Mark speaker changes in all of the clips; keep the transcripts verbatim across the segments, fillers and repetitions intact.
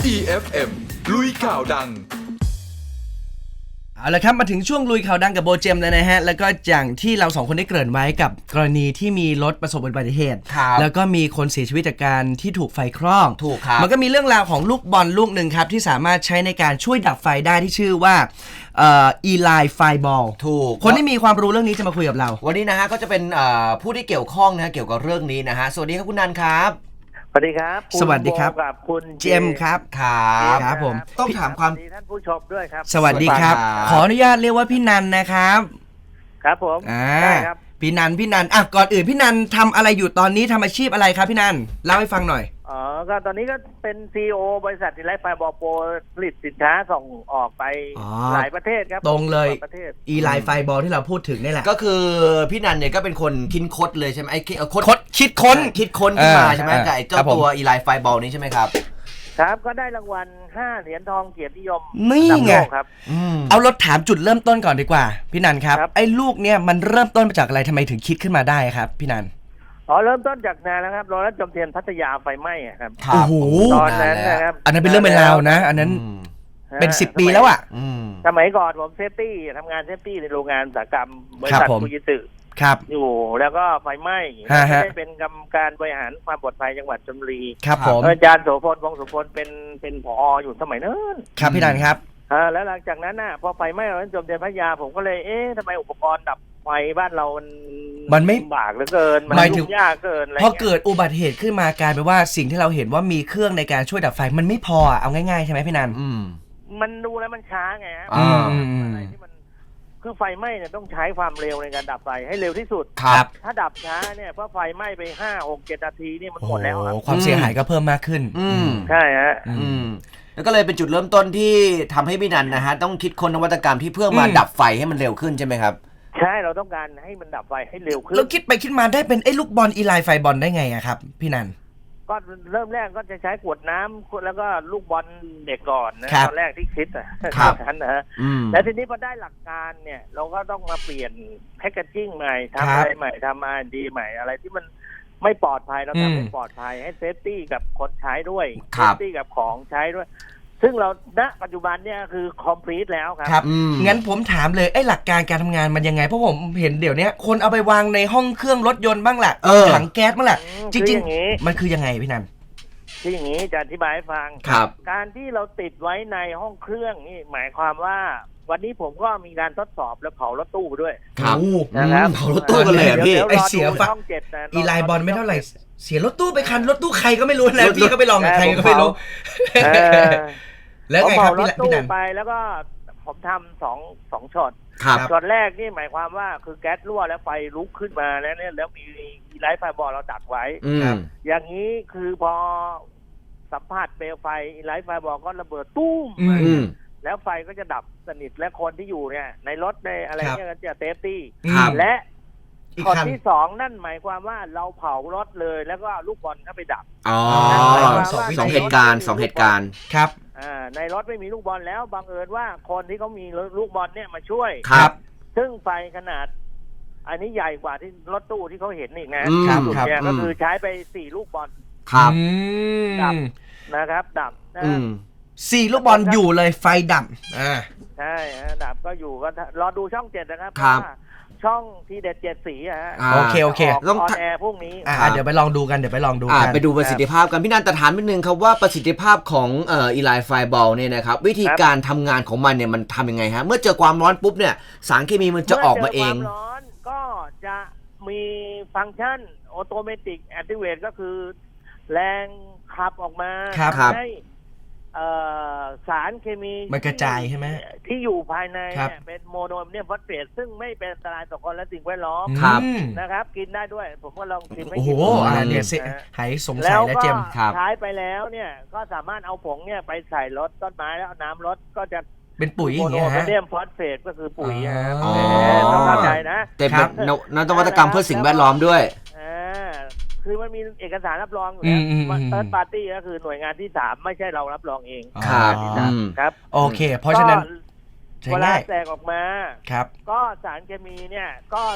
Speaker 1: อี เอฟ เอ็ม ลุยข่าวดัง
Speaker 2: เอาละครับมาถึงช่วงลุยข่าวดังกับโบเจมแล้วนะฮะแล้วก็อย่างที่เราสองคนได้เกริ่นไว้กับกรณีที่มีรถประสบอุบัติเหตุแล้วก็มีคนเสียชีวิตจากการที่ถูกไฟคลอก
Speaker 3: ถูกครับ
Speaker 2: มันก็มีเรื่องราวของลูกบอลลูกหนึ่งครับที่สามารถใช้ในการช่วยดับไฟได้ที่ชื่อว่าเอ่ออีไลไฟบอล
Speaker 3: ถูก
Speaker 2: คนที่มีความรู้เรื่องนี้จะมาคุยกับเรา
Speaker 3: วันนี้นะฮะก็จะเป็นผู้ที่เกี่ยวข้องนะเกี่ยวกับเรื่องนี้นะฮะสวัสดีครับคุณนันครับ
Speaker 4: สวัสดีครับ
Speaker 2: สวัสดีครับ
Speaker 4: กับคุณ
Speaker 2: เจมครับ
Speaker 3: ครับ
Speaker 2: ครับผม
Speaker 3: ต้องถามความ
Speaker 4: ท่านผู้ชมด้วยครับ
Speaker 2: สวัสดีครับขออนุญาตเรียกว่าพี่นันนะครับ
Speaker 4: ครับผม
Speaker 2: อ่าครับพี่นันพี่นันอ่ะก่อนอื่นพี่นันทำอะไรอยู่ตอนนี้ทำอาชีพอะไรครับพี่นันเล่าให้ฟังหน่อย
Speaker 4: อ๋อก็ตอนนี้ก็เป็น ซี อี โอ บริษัทอีไลท์ไฟบอลโปรผลิตสินค้าส่งออกไปหลายประเทศครับ
Speaker 2: ตรงเลยอีไลท์ไฟบอลที่เราพูดถึงนี่แหละ
Speaker 3: ก็คือพี่นันเนี่ยก็เป็นคนคิดค้นเลยใช่ไหมไอ้
Speaker 2: คดคิดค้น
Speaker 3: คิดค้นขึ้นมาใช่ไหมกับไอ้เจ้าตัวอีไลท์ไฟบอลนี้ใช่ไหมครับ
Speaker 4: ครับก็ได้รางวัลห้าเหรียญทองเกียรตินิยม
Speaker 2: นี่ไง
Speaker 4: ครับ
Speaker 2: เอารถถามจุดเริ่มต้นก่อนดีกว่าพี่นันครับไอ้ลูกเนี่ยมันเริ่มต้นมาจากอะไรทำไมถึงคิดขึ้นมาได้ครับพี่นัน
Speaker 4: อ๋อเริ่มต้นจากนานแล้วครับโรงแรมจอมเทียนพัทยาไฟไหม้ครับ
Speaker 2: โอ้โห
Speaker 4: ตอนนั้นนะครับ
Speaker 2: อันนั้นเป็นเรื่องเป็นราวนะอันนั้นเป็นสิบปีแล้วอ่ะ
Speaker 4: สมัยก่อนผมเซฟตี้ทำงานเซฟตี้ในโรงงานอุตสาหกรรมบริษัทฟูจิสึ
Speaker 2: ครับ
Speaker 4: อยู่แล้วก็ไฟไหม้ได้เป็นกรรมการบริหารความปลอดภัยจังหวัดชลบุรี
Speaker 2: ครับผม
Speaker 4: อาจารย์โสพลวงศ์โสพลเป็นเป็นผออยู่สมัยนั้น
Speaker 2: ครับพี่นันครับ
Speaker 4: อ่าแล้วหลังจากนั้นน่ะพอไฟไหม้โรงแรมจอมเทียนพัทยาผมก็เลยเอ๊ะทำไมอุปกรณ์ดับไฟบ้านเรามัน
Speaker 2: มันไม่
Speaker 4: บากเหลือเกินมันยุ่งยากเกินอะไร
Speaker 2: พอเกิดอุบัติเหตุขึ้นมากลายเป็นว่าสิ่งที่เราเห็นว่ามีเครื่องในการช่วยดับไฟมันไม่พอเอาง่ายๆใช่ไหมพี่นัน
Speaker 4: มันดูแล้วมันช้าไงฮะอะไรที่มันคือไฟไหม้เนี่ยต้องใช้ความเร็วในการดับไฟให้เร็วที่สุด
Speaker 2: ครับ
Speaker 4: ถ้าดับช้าเนี่ยเพราะไฟไหม้ไปห้าหกเจ็ดนาทีนี่มันหมดแล้วครับ
Speaker 2: ความเสียหายก็เพิ่มมากขึ้น
Speaker 4: ใช่ฮะ
Speaker 3: แล้วก็เลยเป็นจุดเริ่มต้นที่ทำให้พี่นันนะฮะต้องคิดค้นนวัตกรรมที่เพื่อมาดับไฟให้มันเร็วขึ้นใช่ไหมครับ
Speaker 4: ใช่เราต้องการให้มันดับไฟให้เร็วขึ้น
Speaker 2: แล้วคิดไปคิดมาได้เป็นไอ้ลูกบอลอีไลไฟบอลได้ไงอะครับพี่นัน
Speaker 4: ก็เริ่มแรกก็จะใช้ขวดน้ำแล้วก็ลูกบอลเด็กก่อนนะตอนแรกที่คิดอ่ะนั้นนะแล้วทีนี้พอได้หลักการเนี่ยเราก็ต้องมาเปลี่ยนแพคเกจจิ้งใหม่ทำอะไรใหม่ทำอาร์ ดี ใหม่อะไรที่มันไม่ปลอดภัยเราทำให้ปลอดภัยให้เซฟตี้กับคนใช้ด้วยเซฟตี้กับของใช้ด้วยซึ่งเราณปัจจุบันเนี่ยคือ complete แล้วครับ
Speaker 2: ครับงั้นผมถามเลยไอ้หลักการการทำงานมันยังไงเพราะผมเห็นเดี๋ยวนี้คนเอาไปวางในห้องเครื่องรถยนต์บ้างแหละถังแก๊สบ้างแหละจริงๆมันคือยังไงพี่นัน
Speaker 4: ที่อย่างนี้จะอธิบายให้ฟังการที่เราติดไว้ในห้องเครื่องนี่หมายความว่าวันนี้ผมก็มีการทดสอบแล้วเผารถตู้ไปด้วย
Speaker 3: ครับ
Speaker 4: นะครับ
Speaker 3: เผารถตู้กันเลยพี่
Speaker 2: ไอเสียฟังอีไลบอลไม่เท่าไหร่เสียรถตู้ไปคันรถตู้ใครก็ไม่รู้แล้วพี่ก็ไปลองกับใครก็ไม่รู้
Speaker 4: แล้วไงครับพี่นันไปแล้วก็ผมทำสองสองช็อตช็อตแรกนี่หมายความว่าคือแก๊สรั่วแล้วไฟลุกขึ้นมาแล้วเนี่ยแล้วมีอีไลท์ไฟบอลเราดักไว้อย่างนี้คือพอสัมผัสเปลวไฟอีไลท์ไฟบอลก็ระเบิดตุ้มแล้วไฟก็จะดับสนิทและคนที่อยู่เนี่ยในรถในอะไรเนี่ยก็จะเซฟตี้และช็อตที่สองนั่นหมายความว่าเราเผารถเลยแล้วก็ลูกบอลเข้าไปดับ
Speaker 3: อ๋อสองเหตุการณ์สองเหตุการณ์
Speaker 2: ครับ
Speaker 4: อ่าในรถไม่มีลูกบอลแล้วบังเอิญว่าคนที่เขามีลูกบอลเนี่ยมาช่วย
Speaker 3: ครับ
Speaker 4: ซึ่งไฟขนาดอันนี้ใหญ่กว่าที่รถตู้ที่เขาเห็นอีกนะครับเนี่ยก็คือใช้ไปสี่ลูกบอล
Speaker 3: ครับ
Speaker 4: ดับนะครับดับนะ
Speaker 2: สี่ลูกบอลอยู่เลยไฟดับอ่า
Speaker 4: ใช่ดับก็อยู่ก็รอดูช่องเจ็ดนะครับช่องทีเด็ดเจ็ดสีฮะ
Speaker 2: โอเคโอเค
Speaker 4: ต้องออนแอร์พรุ่งนี้
Speaker 2: อ่าเดี๋ยวไปลองดูกันเดี๋ยวไปลองดูกัน
Speaker 3: ไปดูประสิทธิภาพกันพี่นันแต่ถามนิดนึงครับว่าประสิทธิภาพของเอ่ออีไลท์ไฟบอลเนี่ยนะครับวิธีการทำงานของมันเนี่ยมันทำยังไงฮะเมื่อเจอความร้อนปุ๊บเนี่ยสารเคมีมันจะออกมาเอง
Speaker 4: เมื่อเจอความร้อนก็จะมีฟังก์ชันออโตเมติกแอคทิเวตก็คือแรงขับออกมาให้สารเคมี
Speaker 2: มันกระจายใช่ไหม
Speaker 4: ที่อยู่ภายในเนี่ยเป็นโมโนแอมเนียมฟอสเฟตซึ่งไม่เป็นอันตรายต่อคนและสิ่งแวดล้อมนะครับกินได้ด้วยผมก็ลองชิมให้
Speaker 2: กินโอ้โหอันนี้เสียหายสงสัยแล้วเจม
Speaker 4: ใช้ไปแล้วเนี่ยก็สามารถเอาผงเนี่ยไปใส่รถต้นไม้แล้วน้ำรถก็จะ
Speaker 2: เป็นปุ๋ยอย่างเงี้
Speaker 4: ยฮะโมโนแอมเนียมฟอสเฟตก็คือปุ๋ยต้องเข้าใจนะ
Speaker 3: แต่เป็นนวัตกรรมเพื่อสิ่งแวดล้อมด้วย
Speaker 4: คือมันมีเอกสารรับรองอยู่แล้วเติร์ดปาร์ตี้ก็คือหน่วยงานที่สามไม่ใช่เรารับรองเอง
Speaker 3: ครับ
Speaker 4: ครับ
Speaker 2: โอเคเพราะฉะนั้น
Speaker 4: เวลาแตกออกมา
Speaker 2: ครับ
Speaker 4: ก็สารเคมีเนี่ยก็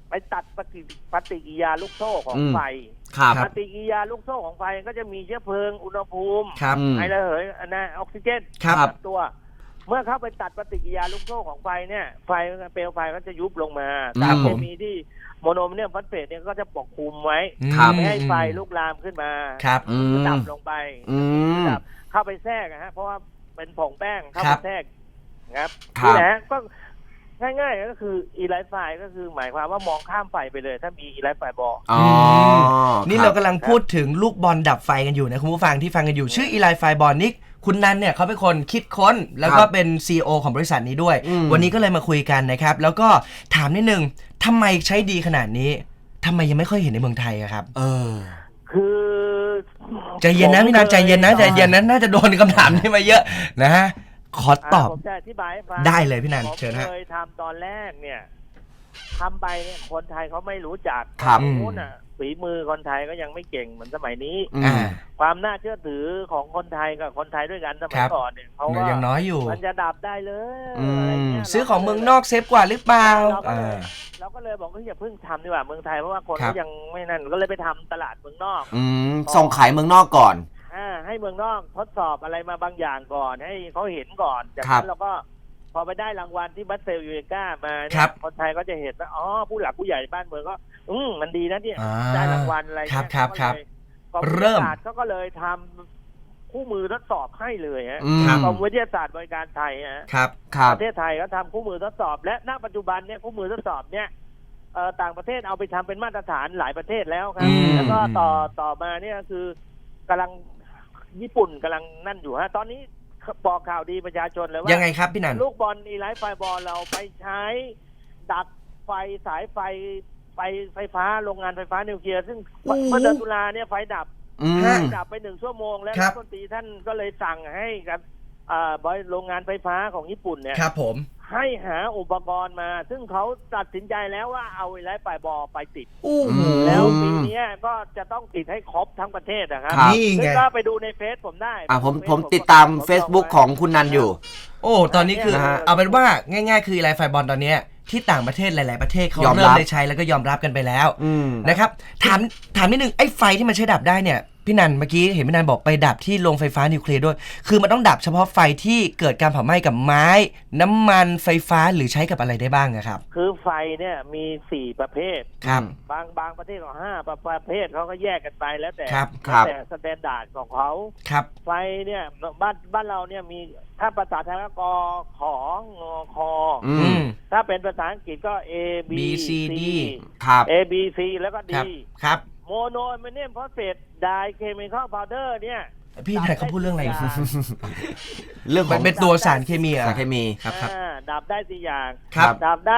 Speaker 4: ไปตัดปฏิปฏิกิริยาลูกโซ่ของไฟปฏิกิริยาลูกโซ่ของไฟก็จะมีเชื้อเพลิงอุณหภูมิไอระเหยนะออกซิเจนตัวเมื่อเข้าไปตัดปฏิกิริยาลูกโซ่ของไฟเนี่ยไฟเปลวไฟก็จะยุบลงมาสารเคมีที่โมโนแมกนีเซียมฟอสเฟตเนี่ยก็จะปกคลุมไว้ไม่ให้ไฟลุกลามขึ้นมาดับลงไปดับเข้าไปแทรกนะฮะเพราะว่าเป็นผงแป้งเข้าไปแทรกนะครับนี่แหละก็ง่ายๆก็คืออีไลท์ไฟก็คือหมายความว่ามองข้ามไฟไปเลยถ้ามีอีไลท์ไฟบอล
Speaker 2: นี่เรากำลังพูดถึงลูกบอลดับไฟกันอยู่นะคุณผู้ฟังที่ฟังกันอยู่ชื่ออีไลท์ไฟบอลนี่คุณนันเนี่ยเขาเป็นคนคิดค้นแล้วก็เป็น ซี อี โอ ของบริษัทนี้ด้วยวันนี้ก็เลยมาคุยกันนะครับแล้วก็ถามนิดนึงทำไมใช้ดีขนาดนี้ทำไมยังไม่ค่อยเห็นในเมืองไทยอะครับเออ
Speaker 4: คือ
Speaker 2: ใจเย็นนะพี่นันใจเย็นนะใจเย็นนะน่าจะโดนคำถามนี้มาเยอะนะฮะขอตอบ
Speaker 4: ผมจะอธิบายให้ฟัง
Speaker 2: ได้เลยพี่นันเชิญฮะ
Speaker 4: เคยทำตอนแรกเนี่ยทำไปเนี่ยคนไทยเขาไม่รู้จักนู้นอ่ะฝีมือคนไทยก็ยังไม่เก่งเหมือนสมัยนี้ความน่าเชื่อถือของคนไทยกับคนไทยด้วยกันสมัยก่อนเนี่ยเขาว่า
Speaker 2: ยังน้อยอยู่
Speaker 4: มันจะดับได้เลย
Speaker 2: ซื้อของเมืองนอกเซฟกว่าหรือเปล่า
Speaker 4: เราก็เลยบอกว่าอย่าเพิ่งทำดีกว่าเมืองไทยเพราะว่าคนก็ยังไม่นั่นก็เลยไปทำตลาดเมืองนอก
Speaker 3: ส่งขายเมืองนอกก่อน
Speaker 4: อ่าให้เมืองนอกทดสอบอะไรมาบางอย่างก่อนให้เขาเห็นก่อนจากนั้นเราก็พอไปได้รางวัลที่บัสเซลยูเอก้ามาคนไทยก็จะเห็นว่าอ๋อผู้หลักผู้ใหญ่บ้านเมืองก็อืมมันดีนะเนี่ยได้รางวัลอะไร
Speaker 2: ครับครับครับ
Speaker 4: เริ่มเขาก็เลยทำคู่มือทดสอบให้เลยฮะกรมวิทยาศาสตร์บริการไทยฮะ
Speaker 2: ครับ
Speaker 4: ประเทศไทยก็ทำคู่มือทดสอบและณปัจจุบันเนี่ยคู่มือทดสอบเนี่ยต่างประเทศเอาไปทำเป็นมาตรฐานหลายประเทศแล้วครับแล้วก็ต่อต่อมาเนี่ยคือกำลังญี่ปุ่นกำลังนั่นอยู่ฮะตอนนี้บอกข่าวดีประชาชนเลยว่า
Speaker 2: ยังไงครับพี่นัน
Speaker 4: ลูกบอลอีไลท์ไฟบอลเราไปใช้ดับไฟสายไฟไฟไฟฟ้าโรงงานไฟฟ้านิวเคลียร์ซึ่งเมื่อเดือนตุลาเนี่ยไฟดับดับไปหนึ่งชั่วโมงแล้วรัฐมนตรีท่านก็เลยสั่งให้กับโรงงานไฟฟ้าของญี่ปุ่นเนี่ย
Speaker 2: ครับผม
Speaker 4: ให้หาอุปกรณ์มาซึ่งเขาตัดสินใจแล้วว่าเอาอีไลท์ไฟบอลไปติดแล้วปีนี้ก็จะต้องติดให้ครบทั้งประเทศนะครับซึ่งก็ไปดูในเฟซผมได้
Speaker 3: อ่าผมผมติดตาม Facebook ของคุณนันอยู่
Speaker 2: โอ้ตอนนี้คือเอาเป็นว่าง่ายๆคืออีไลท์ไฟบอลตอนนี้ที่ต่างประเทศหลายๆประเทศเขาเริ่มได้ใช้แล้วก็ยอมรับกันไปแล้วนะครับถามถามนิดนึงไอ้ไฟที่มันใช้ดับได้เนี่ยพี่นันเมื่อกี้เห็นพี่นันบอกไปดับที่โรงไฟฟ้านิวเคลียร์ด้วยคือมันต้องดับเฉพาะไฟที่เกิดการเผาไหม้กับไม้น้ำมันไฟฟ้าหรือใช้กับอะไรได้บ้างครับ
Speaker 4: คือไฟเนี่ยมีสี่ประเภท
Speaker 2: ครับ
Speaker 4: บางบางประเทศก็ห้าประเภทเขาก็แยกกันไปแล้วแต่แต่สแตนดาร์ดของเขา
Speaker 2: ครับ
Speaker 4: ไฟเนี่ยบ้านบ้านเราเนี่ยมีถ้าภาษาไทยก็กของอคอถ้าเป็นภาษาอังกฤษก็ A B C D
Speaker 3: ครับ
Speaker 4: A B C แล้วก็ D
Speaker 2: ครับ
Speaker 4: โมโนแมกนีเซียมฟอสเฟตไดเคมีคอลพาวเดอร์เนี่ย
Speaker 2: พี่ไหนเขาพูดเรื่องอะไร
Speaker 3: เรื่อง
Speaker 2: ของเป็นตัวสารเคมี
Speaker 3: สารเคมี
Speaker 4: ครับครับดับได้สี่อย่าง
Speaker 2: ดั
Speaker 4: บได้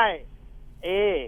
Speaker 4: A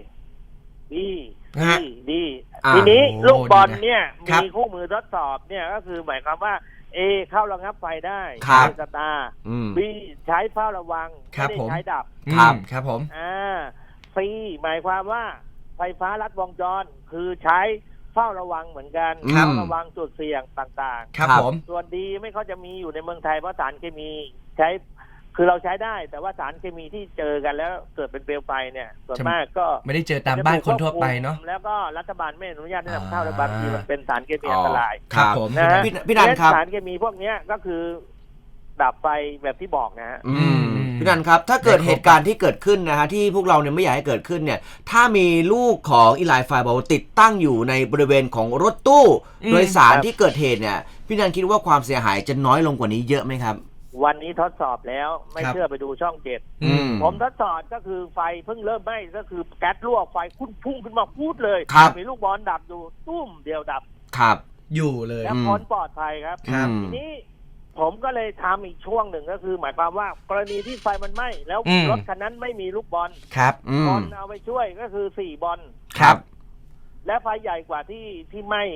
Speaker 4: B C D ทีนี้ลูกบอลเนี่ยมีคู่มือทดสอบเนี่ยก็คือหมายความว่า A เข้าระงับไฟได้
Speaker 2: ใช้
Speaker 4: สตาร์ B ใช้เฝ้าระวังไม่ได้ใช้ดับ
Speaker 2: ครับครับผม
Speaker 4: อ่า C หมายความว่าไฟฟ้าลัดวงจรคือใช้เฝ้าระวังเหมือนกันเฝ้าระวังจุดเสี่ยงต่าง
Speaker 2: ๆครับผม
Speaker 4: ส่วนดีไม่เขาจะมีอยู่ในเมืองไทยเพราะสารเคมีใช้คือเราใช้ได้แต่ว่าสารเคมีที่เจอกันแล้วเกิดเป็นเปลวไฟเนี่ยส่วนมากก็
Speaker 2: ไม่ได้เจอตามบ้านคนทั่วไปเนาะ
Speaker 4: แล้วก็รัฐบาลไม่อนุญาตให้นำเข้าและบางทีมันเป็นสารเคมีอันตราย
Speaker 2: ครับผม
Speaker 4: นะ
Speaker 3: พี่นันครับ
Speaker 4: สารเคมีพวกนี้ก็คือดับไฟแบบที่บอกนะฮะ
Speaker 3: พี่นันครับถ้าเกิดเหตุการณ์ที่เกิดขึ้นนะฮะที่พวกเราเนี่ยไม่อยากให้เกิดขึ้นเนี่ยถ้ามีลูกของอีไลท์ไฟบอลติดตั้งอยู่ในบริเวณของรถตู้โดยสารที่เกิดเหตุเนี่ยพี่นันคิดว่าความเสียหายจะน้อยลงกว่านี้เยอะไหมครับ
Speaker 4: วันนี้ทดสอบแล้วไม่เชื่อไปดูช่องเจ็ดผมทดสอบก็คือไฟเพิ่งเริ่มไหม้ก็คือแก๊สรั่วไฟพุ่งพุ่งขึ้นมาพูดเลยมีลูกบอลดับอยู่ตุ้มเดียวดับ
Speaker 3: ครับ
Speaker 2: อยู่เลย
Speaker 4: แล้วพ้นปลอดภัยครับทีนี้ผมก็เลยทำอีกช่วงหนึ่งก็คือหมายความว่ากรณีที่ไฟมันไหม้แล้วรถคันนั้นไม่มีลูกบอล
Speaker 2: ครับ
Speaker 4: บอลเอาไปช่วยก็คือสี่บอล
Speaker 2: ครับ
Speaker 4: และไฟใหญ่กว่าที่ที่ไหม้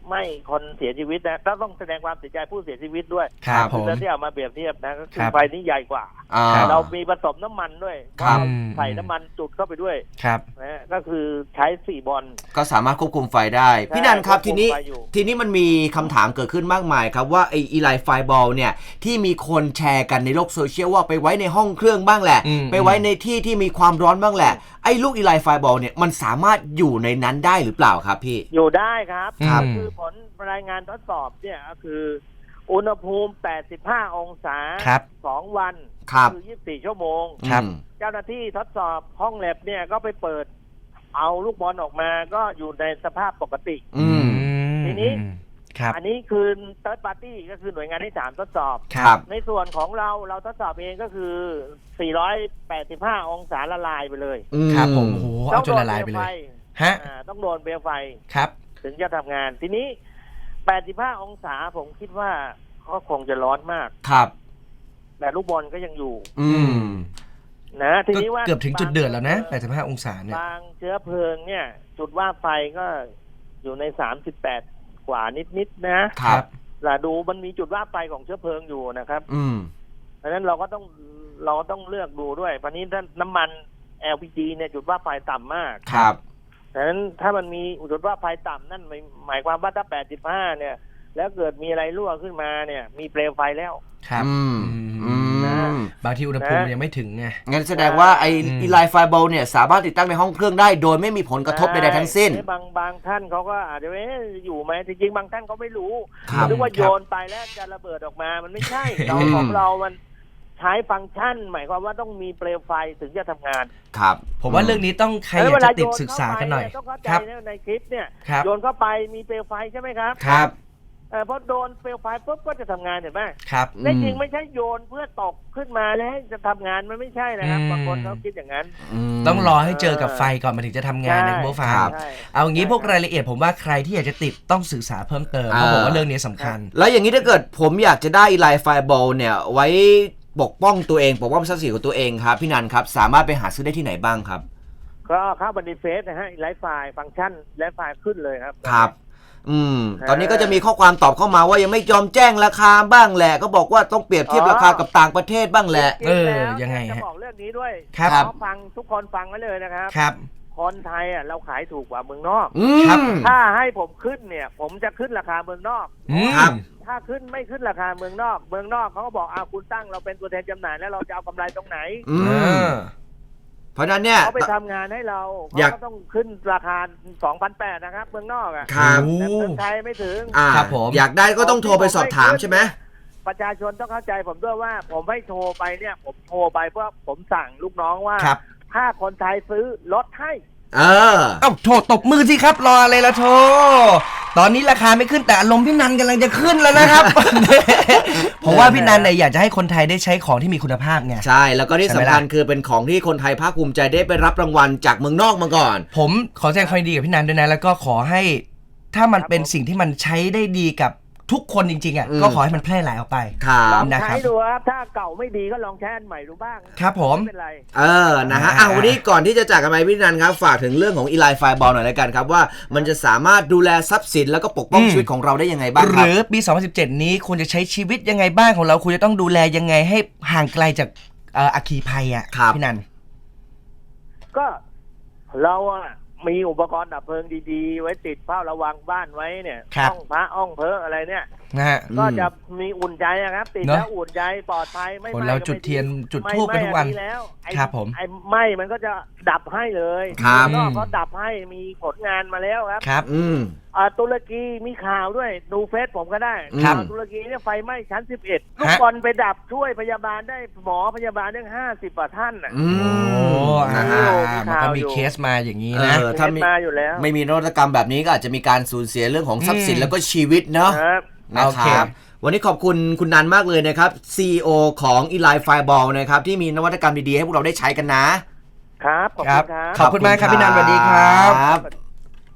Speaker 4: ไม่คนเสียชีวิตนะก็ต้องแสดงความเสียใจผู้เสียชีวิตด้วย
Speaker 2: ครับผม
Speaker 4: ที่เอามาเปรียบเทียบนะก็คื
Speaker 2: ครั
Speaker 4: อบ ไฟนี้ใหญ่กว่า
Speaker 3: อ่า
Speaker 4: เรามีผสมน้ำมันด้วย
Speaker 3: ครับ
Speaker 4: ใส่น้ำมันจุดเข้าไปด้วย
Speaker 2: ครับ
Speaker 4: นะก็คือใช้สี่บอล
Speaker 3: ก็สามารถควบคุมไฟได้พี่นันครับ
Speaker 4: ควบคุ
Speaker 3: ที
Speaker 4: ม
Speaker 3: นี้
Speaker 4: ไฟอยู่
Speaker 3: ทีนี้มันมีคำถามเกิดขึ้นมากมายครับว่าไออีไลไฟบอลเนี่ยที่มีคนแชร์กันในโลกโซเชียลว่าไปไว้ในห้องเครื่องบ้างแหละ
Speaker 2: อืม
Speaker 3: ไปไว้ในที่ที่มีความร้อนบ้างแหละไอ้ลูกอีไลไฟบอลเนี่ยมันสามารถอยู่ในนั้นได้หรือเปล่าครับพี่
Speaker 4: อยู่ได้ครับ
Speaker 2: ครับ
Speaker 4: ก็คือผลรายงานทดสอบเนี่ยก็คือ อุณหภูมิ แปดสิบห้า องศา
Speaker 2: ครับ
Speaker 4: สองวัน
Speaker 3: ครับ
Speaker 4: คือ ยี่สิบสี่ ชั่วโมง
Speaker 2: ครับ
Speaker 3: อืม
Speaker 4: เจ้าหน้าที่ทดสอบห้องแลบเนี่ยก็ไปเปิดเอาลูกบอลออกมาก็อยู่ในสภาพปกติ
Speaker 3: อืม
Speaker 4: ทีนี้
Speaker 2: ครับ
Speaker 4: อันนี้คือ third party ก็คือหน่วยงานที่สามทดสอบ
Speaker 2: ครับ
Speaker 4: ในส่วนของเราเราทดสอบเองก็คือ สี่ร้อยแปดสิบห้า องศาละลายไปเลย
Speaker 2: ครับผมโอ้โหเอาจนละลายไป
Speaker 4: ต้องโดนเปลว
Speaker 2: เล
Speaker 4: ไฟ
Speaker 2: ยฮะ
Speaker 4: อ่าต้องโดนเปลวไฟ
Speaker 2: ครับ
Speaker 4: ถึงจะทำงาน ทีนี้ แปดสิบห้า องศาผมคิดว่าก็คงจะร้อนมาก
Speaker 3: ครับ
Speaker 4: แต่ลูกบอลก็ยังอยู่
Speaker 3: อืม
Speaker 4: นะที
Speaker 2: ก็
Speaker 4: นี้ว่า
Speaker 2: เกือบถึงจุดเดือดแล้วนะแปดสิบห้าองศาเนี่ย
Speaker 4: บางเชื้อเพลิงเนี่ย จุดว่าไฟก็อยู่ในสามสิบแปดกว่านิดๆนะครับ แต่ดูมันมีจุดว่าไฟของเชื้อเพลิงอยู่นะครับ
Speaker 3: อืม
Speaker 4: เพราะฉะนั้นเราก็ต้องเราก็ต้องเลือกดูด้วยเพราะนี้ถ้าน้ำมัน แอล พี จี เนี่ยจุดว่าไฟต่ำมาก
Speaker 3: ครับ
Speaker 4: ดังนั้นถ้ามันมีจุดว่าไฟต่ำนั่นหมายหมายความว่าถ้าแปดสิบห้าเนี่ย แล้วเกิดมีอะไรรั่วขึ้นมาเนี่ย มีเปลวไฟแล้ว
Speaker 2: ครับ
Speaker 3: อืม อืม
Speaker 2: บางทีอุณหภูมิยังไม่ถึงไง
Speaker 3: งั้นแสดงว่าไอ
Speaker 2: อืม
Speaker 3: อีไลไฟบอลเนี่ยสามารถติดตั้งในห้องเครื่องได้โดยไม่มีผลกระทบใดๆทั้งสิ้น
Speaker 4: ใช่บางบางท่านเขาก็อาจจะเอ๊ะอยู่ไหมจริงๆบางท่านเขาไม่รู้
Speaker 3: ครับ
Speaker 4: นึกว่าโยนไปแล้วจะระเบิดออกมามันไม่ใช่เราของเรามันใช้ฟังก์ชัน หมายความว่าต้องมีเปลวไฟถึงจะทำงาน
Speaker 3: ครับ
Speaker 2: ผมว่าเรื่องนี้ต้องใครอยากจะติดศึกษากันหน่อย
Speaker 4: ต้องเข้าใจ
Speaker 2: ครับ
Speaker 4: นะในคลิปเนี่ย
Speaker 2: ครับ
Speaker 4: โยนเข้าไปมีเปลวไฟใช่ไหมครับ
Speaker 3: ครับ
Speaker 4: เออพอโดนเปลวไฟปุ๊บก็จะทำงานเห็นไหม
Speaker 2: ครับ
Speaker 4: ในจริงไม่ใช่โยนเพื่อตกขึ้นมาแล้วให้จะทำงานมันไม่ใช่นะครับ
Speaker 2: อืม
Speaker 4: บางคนเขาคิดอย่างนั้น
Speaker 3: ม
Speaker 2: ต้องรอให้เจอกับไฟก่อนมันถึงจะทำงานนะคุณผู้ฟัง
Speaker 3: ครับ
Speaker 4: ใช่
Speaker 2: เอางี้พวกรายละเอียดผมว่าใครที่อยากจะติดต้องศึกษาเพิ่มเติมเพราะผมว่าเรื่องนี้สำคัญ
Speaker 3: แล้วอย่างนี้ถ้าเกิดผมอยากจะได้อีไลไฟบอลเนี่ยไว้ปกป้องตัวเองปกป้องทรัพย์สินของตัวเองครับพี่นันครับสามารถไปหาซื้อได้ที่ไหนบ้างครับ
Speaker 4: ก็เข้าบันทึกเฟซนะฮะไลฟ์ไฟล์ฟังก์ชันไลฟ์ไฟล์ขึ้นเลยครับ
Speaker 3: ครับ อืม ตอนนี้ก็จะมีข้อความตอบเข้ามาว่ายังไม่ยอมแจ้งราคาบ้างแหละ ก็บอกว่าต้องเปรียบเทียบราคากับต่างประเทศบ้างแหละ
Speaker 2: เออ
Speaker 4: จริๆแล้ว
Speaker 2: ยังไงฮะ
Speaker 4: จะบอกเรื่องนี้ด้วย
Speaker 2: ครับ
Speaker 4: ขอฟังทุกคนฟังไว้เลยนะครับ
Speaker 2: ครับ
Speaker 4: คนไทยอ่ะเราขายถูกกว่าเมืองนอก
Speaker 3: อืม
Speaker 2: ครับ
Speaker 4: ถ้าให้ผมขึ้นเนี่ย ผมจะขึ้นราคาเมืองนอก
Speaker 2: อืม
Speaker 3: ครับ
Speaker 4: ถ้าขึ้นไม่ขึ้นราคาเมืองนอก เมืองนอกเขาก็บอกอ้าวคุณตั้งเราเป็นตัวแทนจำหน่ายแล้วเราจะเอากำไรตรงไหน
Speaker 3: อื
Speaker 2: เอ
Speaker 3: ม
Speaker 2: อ
Speaker 3: เพราะฉะนั้นเนี่ย
Speaker 4: เขาไปทำงานให้เรา
Speaker 3: อ
Speaker 4: เขา
Speaker 3: ยาก
Speaker 4: ก็ต้องขึ้นราคา สองพันแปดร้อย นะครับ เมืองนอกอ่ะ
Speaker 3: ครับ
Speaker 2: โอ้
Speaker 4: แต่เมืองไทยไม่ถึง
Speaker 3: อ่า
Speaker 2: ครับผม
Speaker 3: อยากได้ก็ต้องโทรไปสอบถามใช่ไหม
Speaker 4: ประชาชนต้องเข้าใจผมด้วยว่า ผมไม่โทรไปเนี่ย ผมโทรไปเพื่อผมสั่งลูกน้องว่า
Speaker 2: ครับ
Speaker 4: ถ้าคนไทยซื้อลดให้
Speaker 3: เออ
Speaker 2: เอ้าโถตบมือสิครับรออะไรละโถตอนนี้ราคาไม่ขึ้นแต่อารมณ์พี่นันกำลังจะขึ้นแล้วนะครับ เพราะว่าพี่นันเนี่ยอยากจะให้คนไทยได้ใช้ของที่มีคุณภาพไง
Speaker 3: ใช่แล้วก็ที่
Speaker 2: ใช่ไหม
Speaker 3: สำคัญ
Speaker 2: ล่ะ
Speaker 3: คือเป็นของที่คนไทยภาคภูมิใจได้ไปรับรางวัลจากเมืองนอกมาก่อน
Speaker 2: ผมขอแสดงความยินดีกับพี่นันด้วยนะแล้วก็ขอให้ถ้ามันเป็นสิ่งที่มันใช้ได้ดีกับทุกคนจริงๆอ่ะ
Speaker 3: อืม
Speaker 2: ก็ขอให้มันแพร่หลายออกไป
Speaker 3: ครั
Speaker 4: ล
Speaker 3: บ
Speaker 4: อง
Speaker 2: นะครั
Speaker 4: ใช้
Speaker 2: บ
Speaker 4: ดูครับ ถ้าเก่าไม่ดีก็ลองใช้อันใหม่ดูบ้าง
Speaker 2: ครับผม
Speaker 4: ไม่เป็นไร
Speaker 3: เออ นะฮะ
Speaker 2: อ่า
Speaker 3: อ่ะวันนี้ก่อนที่จะจากกันไปพี่นันครับ ฝากถึงเรื่องของอีไลไฟบอลหน่อยแล้วกันครับว่ามันจะสามารถดูแลทรัพย์สินแล้วก็ปกป้องชีวิตของเราได้ยังไงบ้าง
Speaker 2: ห
Speaker 3: ครับ
Speaker 2: รือปี สองพันสิบเจ็ด นี้คุณจะใช้ชีวิตยังไงบ้างของเราคุณจะต้องดูแลยังไงให้ห่างไกลจากเอ่ออัคคีภัยอ่ะ
Speaker 3: ครับ
Speaker 2: พี่นัน
Speaker 4: ก็เราอะมีอุปกรณ์ดับเพลิงดีๆ ไว้ติดเฝ้าระวังบ้านไว้เนี่ย
Speaker 2: ครับ
Speaker 4: ห้องพระห้องเพ้ออะไรเนี่ย
Speaker 2: นะฮะ
Speaker 4: ก็จะมีอุ่นใจอะครับ ติด
Speaker 2: เนอะ
Speaker 4: แล้วอุ่นใจปลอดภัยไม่
Speaker 2: คน
Speaker 4: ไหม้
Speaker 2: เรา
Speaker 4: ก็ไม่
Speaker 2: จุดเทียนจุด
Speaker 4: ไม่
Speaker 2: ธูปกันทุกวัน
Speaker 4: ไม่อัแล้วไอ้
Speaker 2: ครับผม
Speaker 4: ไอ้ไหม้มันก็จะดับให้เลย
Speaker 3: ครับ
Speaker 4: นอกเขาดับให้มีผลงานมาแล้วครับ
Speaker 2: ครับ
Speaker 3: อืม
Speaker 4: อ่าตุรกีมีข่าวด้วยดูเฟซผมก็ได้
Speaker 3: ครับ
Speaker 4: อ่าตุรกีเนี่ยไฟไหม้ชั้นสิบเอ็ดลูกบอลไปดับช่วยพยาบาลได้หมอพยาบาลได้ห้าสิบกว่าท่านอ่ะ
Speaker 3: อื
Speaker 2: โอ้
Speaker 3: ม
Speaker 2: อ่า
Speaker 3: นะฮะ
Speaker 2: มันก็มีเคสมาอย่างนี้
Speaker 3: เอ
Speaker 2: นะ
Speaker 3: อ ถ้ามี
Speaker 4: เห็นมาอยู่แล้ว
Speaker 3: ไม่มีนวัตกรรมแบบนี้ก็อาจจะมีการสูญเสียเรื่องของทรัพย์สิน
Speaker 2: อืม
Speaker 3: แล้วก็ชีวิตเนาะ
Speaker 4: ครับ
Speaker 3: นะ
Speaker 2: โอ
Speaker 3: ค
Speaker 2: เค
Speaker 3: รับ วันนี้ขอบคุณคุณนันมากเลยนะครับ ซี อี โอ ของ อีไลไฟบอลนะครับที่มีนวัตกรรมดีๆให้พวกเราได้ใช้กันนะ
Speaker 4: ครับขอบ
Speaker 2: ครั
Speaker 4: คุ
Speaker 2: บ
Speaker 4: ณครับ
Speaker 2: ขอบคุณมากครับพี่นันสวัสดีครับ
Speaker 3: ครับ